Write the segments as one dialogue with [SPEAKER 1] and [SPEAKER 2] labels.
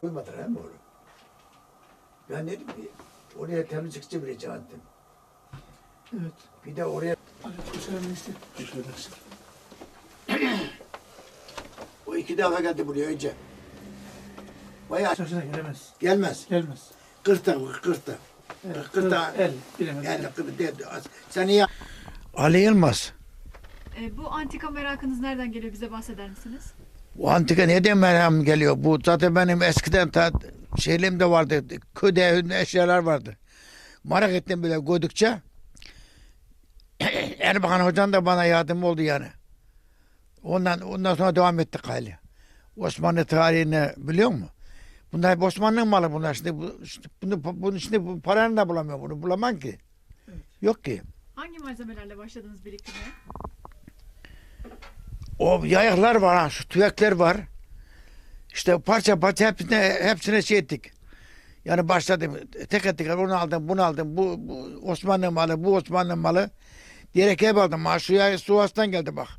[SPEAKER 1] Koymadılar hem onu. Ben dedim ki oraya temizlikçi bile çağırdım.
[SPEAKER 2] Evet.
[SPEAKER 1] Bir de oraya
[SPEAKER 2] Aleykümselam işte.
[SPEAKER 1] o 2 defa geldi buraya önce. Bayağı
[SPEAKER 2] Şaşına gelemez.
[SPEAKER 1] gelmez.
[SPEAKER 2] Gelmez.
[SPEAKER 1] 40'ta.
[SPEAKER 2] Evet.
[SPEAKER 1] 40'ta.
[SPEAKER 2] El. Bilemez.
[SPEAKER 1] Yani 40'ta. Sen iyi. Ali Yılmaz.
[SPEAKER 3] Bu antika merakınız nereden geliyor? Bize bahseder misiniz?
[SPEAKER 1] Bu antika neden merak geliyor? Bu zaten benim eskiden şeylerimde vardı. Köyde eşyalar vardı. Merak ettim böyle koydukça. Erbakan Hocam da bana yardım oldu yani. Ondan sonra devam ettik hali. Osmanlı tarihini biliyor musun? Bunlar hep Osmanlı'nın malı bunlar. Şimdi bu paranı da bulamıyor bunu. Bulamam ki.
[SPEAKER 2] Evet.
[SPEAKER 1] Yok ki.
[SPEAKER 3] Hangi malzemelerle başladınız biriktirmeye?
[SPEAKER 1] O yayıklar var, ha, şu tüvekler var. İşte parça hepsine şey ettik. Yani başladım. Tek onu aldım, bunu aldım. Bu Osmanlı malı, bu Osmanlı malı. Diyerek hep aldım. Ha, şu yay Sivas'tan geldi bak.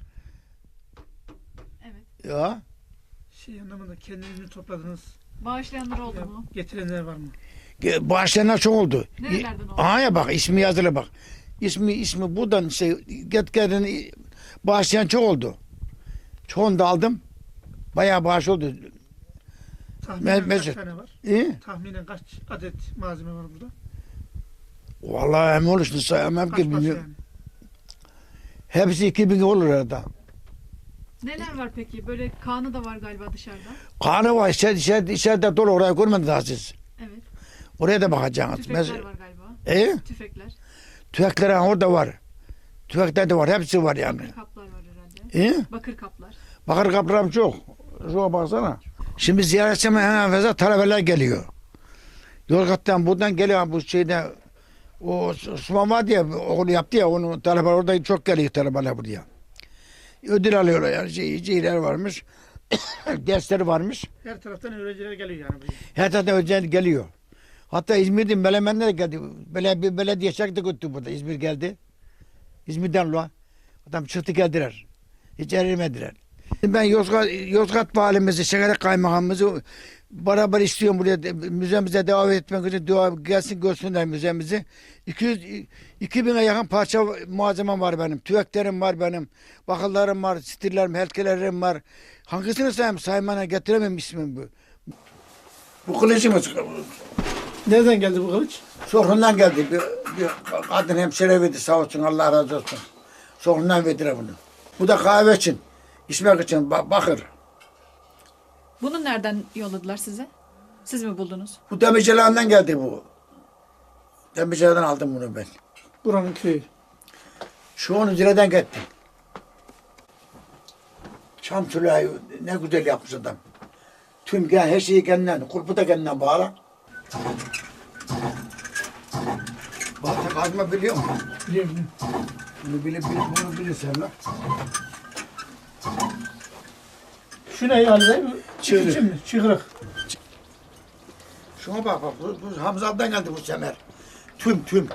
[SPEAKER 3] Evet.
[SPEAKER 1] Ya.
[SPEAKER 2] Şey anlamında kendiniz mi topladınız?
[SPEAKER 3] Bağışlayanlar oldu
[SPEAKER 2] Ya,
[SPEAKER 3] mu?
[SPEAKER 2] getirenler var mı?
[SPEAKER 1] Bağışlayanlar çok oldu.
[SPEAKER 3] Nerelerden oldu?
[SPEAKER 1] Aha ya bak ismi yazılı bak. İsmi buradan gelin bağışlayan çok oldu. Çoğunu da aldım. Bayağı bağış oldu.
[SPEAKER 2] Tahminen kaç
[SPEAKER 1] Mesut.
[SPEAKER 2] tane var? Tahminen kaç adet malzeme var burada?
[SPEAKER 1] Vallahi emin olursun sayamam
[SPEAKER 2] Kaç
[SPEAKER 1] ki
[SPEAKER 2] parça
[SPEAKER 1] bilmiyorum.
[SPEAKER 2] yani?
[SPEAKER 1] Hepsi 2000 olur arada.
[SPEAKER 3] Neler var peki? Böyle kanı da var galiba dışarıda.
[SPEAKER 1] Kanı var içeride dolu orayı görmediniz daha siz.
[SPEAKER 3] Evet.
[SPEAKER 1] Oraya da bakacaksınız.
[SPEAKER 3] Tüfekler var galiba. Tüfekler.
[SPEAKER 1] Tüfekler orada var. Tüfekler de var. Hepsi var yani.
[SPEAKER 3] Bakır kaplar var herhalde. Bakır kaplar.
[SPEAKER 1] Bakır kaplarım çok. Şuna baksana. Şimdi ziyaretçime hemen fazla talebeler geliyor. Yozgat'tan buradan geliyor bu şeyde o Osman var diye okulu yaptı ya onun talebeler orada çok geliyor talebeler buraya. Ödül alıyorlar yani şeyler varmış. Dersleri varmış.
[SPEAKER 2] Her taraftan öğrenciler geliyor yani buraya.
[SPEAKER 1] Her taraftan özel geliyor. Hatta İzmir'den Melemenler geldi. Belediye çaktı götürdü burada. İzmir geldi. İzmir'den lo. Adam çıktı geldiler. Hiç erimediler. Ben Yozgat valimizi, Şekerek kaymakamımızı beraber istiyorum buraya müzemize davet etmek için gelsin görsünler müzemizi. 2000'e yakın parça malzemem var benim. Tüveklerim var benim. Bakırlarım var, stillerim, helkelerim var. Hangisini sayayım? Saymana getiremem ismim bu. Bu kılıcımız
[SPEAKER 2] Nereden geldi bu kılıç?
[SPEAKER 1] Sorhundan geldi. Bir kadın hemşire verdi sağ olsun Allah razı olsun. Sorhundan verdiler bunu. Bu da kahve için. İçmek için bakır.
[SPEAKER 3] Bunu nereden yolladılar size? Siz mi buldunuz?
[SPEAKER 1] Bu demircilerden geldi bu. Demircilerden aldım bunu ben.
[SPEAKER 2] Buranın köyü.
[SPEAKER 1] Şu 10 liradan gitti. Çam sülahi ne güzel yapmış adam. Tüm her şeyi kendinden, kurpu da kendinden bağla. Balta kazma biliyor musun?
[SPEAKER 2] Biliyorum.
[SPEAKER 1] Bunu bilirsen lan.
[SPEAKER 2] Şu ne yani?
[SPEAKER 1] Çığırık.
[SPEAKER 2] İçin mi? Çıkrık.
[SPEAKER 1] Şuna bak bu Hamza'dan geldi bu semer. Tüm.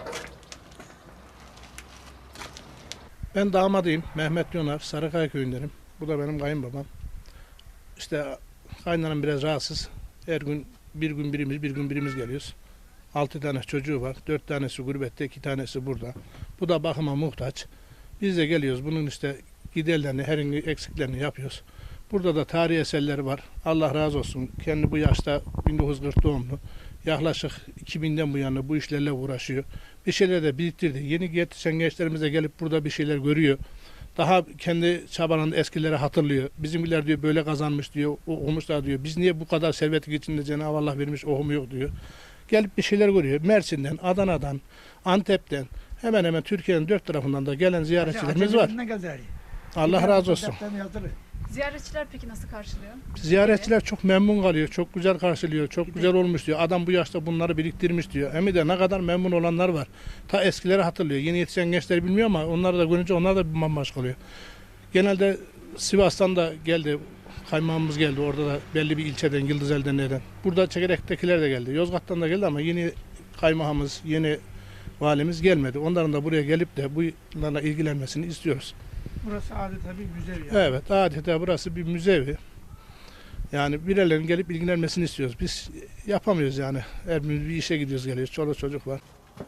[SPEAKER 4] Ben damadıyım. Mehmet Yonar. Sarıkaya köyündenim. Bu da benim kayınbabam. İşte kaynanam biraz rahatsız. Her gün bir gün birimiz geliyoruz. 6 tane çocuğu var. 4 tanesi gurbette, 2 tanesi burada. Bu da bakıma muhtaç. Biz de geliyoruz. Bunun işte giderlerini, herhangi eksiklerini yapıyoruz. Burada da tarihi eserleri var. Allah razı olsun. Kendi bu yaşta 1940 doğumlu. Yaklaşık 2000'den bu yana bu işlerle uğraşıyor. Bir şeyler de biriktirdi. Yeni yetişen gençlerimiz de gelip burada bir şeyler görüyor. Daha kendi çabalarında eskileri hatırlıyor. Bizimkiler diyor böyle kazanmış diyor, okumuşlar diyor. Biz niye bu kadar servetlik içinde Cenab-ı Allah vermiş okumuyor diyor. Gelip bir şeyler görüyor. Mersin'den, Adana'dan, Antep'ten hemen hemen Türkiye'nin 4 tarafından da gelen ziyaretçilerimiz var. Allah razı olsun.
[SPEAKER 3] Ziyaretçiler peki nasıl karşılıyor?
[SPEAKER 4] Ziyaretçiler çok memnun kalıyor, çok güzel karşılıyor, çok güzel olmuş diyor. Adam bu yaşta bunları biriktirmiş diyor. Hem de ne kadar memnun olanlar var. Ta eskileri hatırlıyor. Yeni yetişen gençler bilmiyor ama onları da görünce onlar da bir bambaşka oluyor. Genelde Sivas'tan da geldi, kaymağımız geldi. Orada da belli bir ilçeden, Yıldızeli'den neden. Burada Çekerek'tekiler de geldi. Yozgat'tan da geldi ama yeni kaymağımız, yeni valimiz gelmedi. Onların da buraya gelip de bunlarla ilgilenmesini istiyoruz.
[SPEAKER 2] Burası adeta bir müze yani.
[SPEAKER 4] Evet, adeta burası bir müzevi. Yani birilerinin gelip ilgilenmesini istiyoruz. Biz yapamıyoruz yani. Her birimiz bir işe gidiyoruz geliyoruz. Çoluk çocuk var.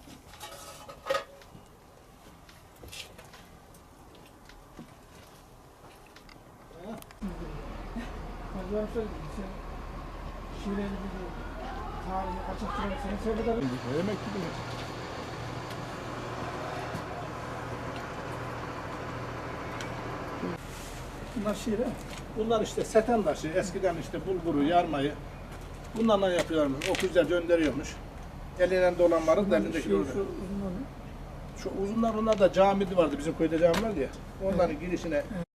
[SPEAKER 2] Bunlar şiir ha.
[SPEAKER 4] Bunlar işte seten taşı. Eskiden işte bulguru, yarmayı bunlarla yapıyorlarmış. O güzel döndürüyormuş. Elinden dolanları da elindeki
[SPEAKER 2] Şu
[SPEAKER 4] orada.
[SPEAKER 2] uzunları.
[SPEAKER 4] Şu uzunlar onlar da camidi vardı. Bizim köyde cami vardı ya. Onların girişine